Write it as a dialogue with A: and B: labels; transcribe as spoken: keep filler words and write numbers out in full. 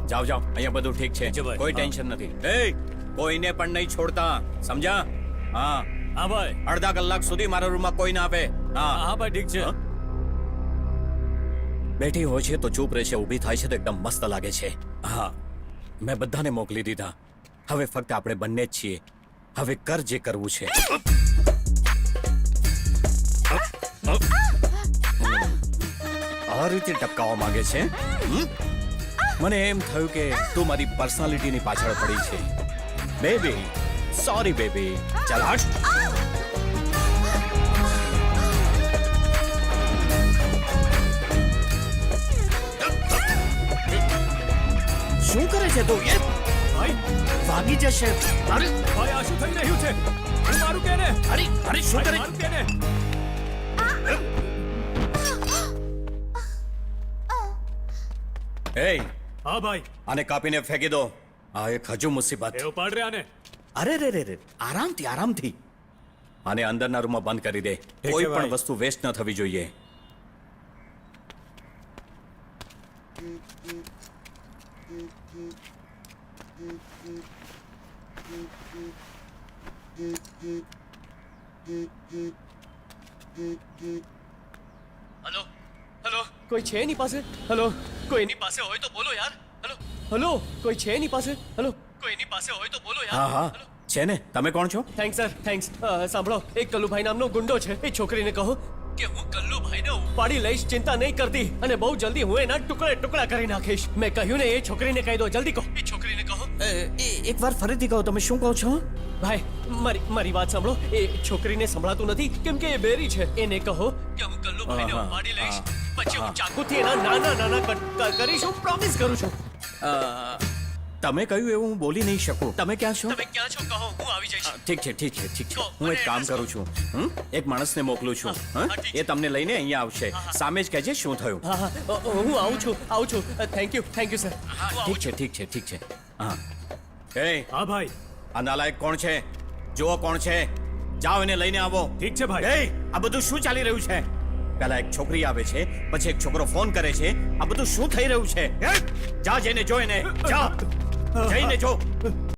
A: જાઓ જાઓ, અહીંયા બધું ઠીક છે,
B: છે ભાઈ.
A: કોઈ
B: હા.
A: ટેન્શન નથી. એ કોઈને પણ નહીં છોડતા, સમજ્યા? હા,
B: હા ભાઈ.
A: અડધા કલાક સુધી મારા રૂમમાં કોઈ ના આવે. હા
B: હા ભાઈ ઠીક છે.
A: હા? બેઠી હોય છે તો ચૂપ રહે છે, ઊભી થાય છે તો એકદમ મસ્ત લાગે છે. હા, મેં બધાને મોકલી દીધા. હવે ફક્ત આપણે બંને જ છીએ. હવે કર જે કરવું છે. આ રીતે ટપકાવવા માંગે છે. હમ? મને એમ થયું કે તું મારી પર્સનાલિટીની પાછળ પડી છે. Baby, sorry baby. ચાલ હટ. શું કરે છે તું? એ
B: ભાઈ
A: ભાગી જશે. અરે
B: ભાઈ આ શું થઈ રહ્યું છે? હું મારું કે ને?
A: અરે અરે શું કરે?
B: મારું કે ને?
A: એ
B: હા ભાઈ.
A: આને કાપીને ફેંકી દો. આ એક હજુ મુસીબત.
B: એ ઉપાડ રહ્યા ને?
A: અરે રે રે રે, આરામથી આરામથી. આને અંદરના રૂમમાં બંધ કરી દે.
B: છે
A: કોઈ પણ
B: ભાઈ.
A: વસ્તુ વેસ્ટ ન થવી જોઈએ.
C: હેલો હેલો કોઈ છે એની પાસે? હેલો કોઈ એની પાસે હોય તો બોલો યાર. હેલો હેલો કોઈ છે એની પાસે? હેલો કોઈ એની પાસે હોય તો બોલો યાર.
A: હા હા
C: હેલો.
A: છે ને. તમે કોણ છો?
C: Thanks sir thanks. અ, સાંભળો, એક કલ્લુભાઈ નામનો ગુંડો છે. એ છોકરીને કહો કે હું કલ્લુભાઈને ઉપાડી લઈશ, ચિંતા નહીં કરતી, અને બહુ જલ્દી હું એના ટુકડે ટુકડા કરી નાખીશ. મેં કહ્યું ને, એ છોકરીને કહી દો, જલ્દી કહો. એ છોકરીને કહો.
A: એક વાર ફરીથી કહો, તમે શું કહો છો?
C: ભાઈ મારી મારી વાત સાંભળો. એ છોકરીને સંભળાતું નથી કેમ કે એ બેરી છે. એને કહો કે હું કલ્લુભાઈને
A: હા, હા,
C: ઉપાડી લઈશ,
A: હા,
C: પછી
A: હા.
C: હું ચાકુથી એના નાના નાના કટ ક- કરીશ. હું પ્રોમિસ કરું છું.
A: અ, તમે કહ્યું એવું હું બોલી નહીં શકું. તમે ક્યાં છો?
C: તમે ક્યાં છો કહો, હું આવી જઈશ.
A: ઠીક છે ઠીક છે ઠીક છે.
C: કહો,
A: હું એક
C: મને
A: કામ
C: એડ્રેસ
A: કરું છું. હમ? એક માણસને મોકલું છું.
C: હા,
A: હં?
C: હા, ઠીક
A: એ
C: છે.
A: તમને લઈને અહીંયા આવશે. સામે જ કહેજે શું થયું.
C: હા હા અ, અ, હું આવું છું આવું છું. Thank you thank you sir.
A: ઠીક છે ઠીક છે ઠીક છે. હા. એ
B: હા ભાઈ.
A: આ નાલાયક કોણ છે? જુઓ કોણ છે. જાઓ એને લઈને આવો.
B: ઠીક છે ભાઈ.
A: એ આ બધું શું ચાલી રહ્યું છે? પહેલા એક છોકરી આવે છે, પછી એક છોકરો ફોન કરે છે. આ બધું શું થઈ રહ્યું છે? એ! જા જઈને જો એને. જા જઈને જો.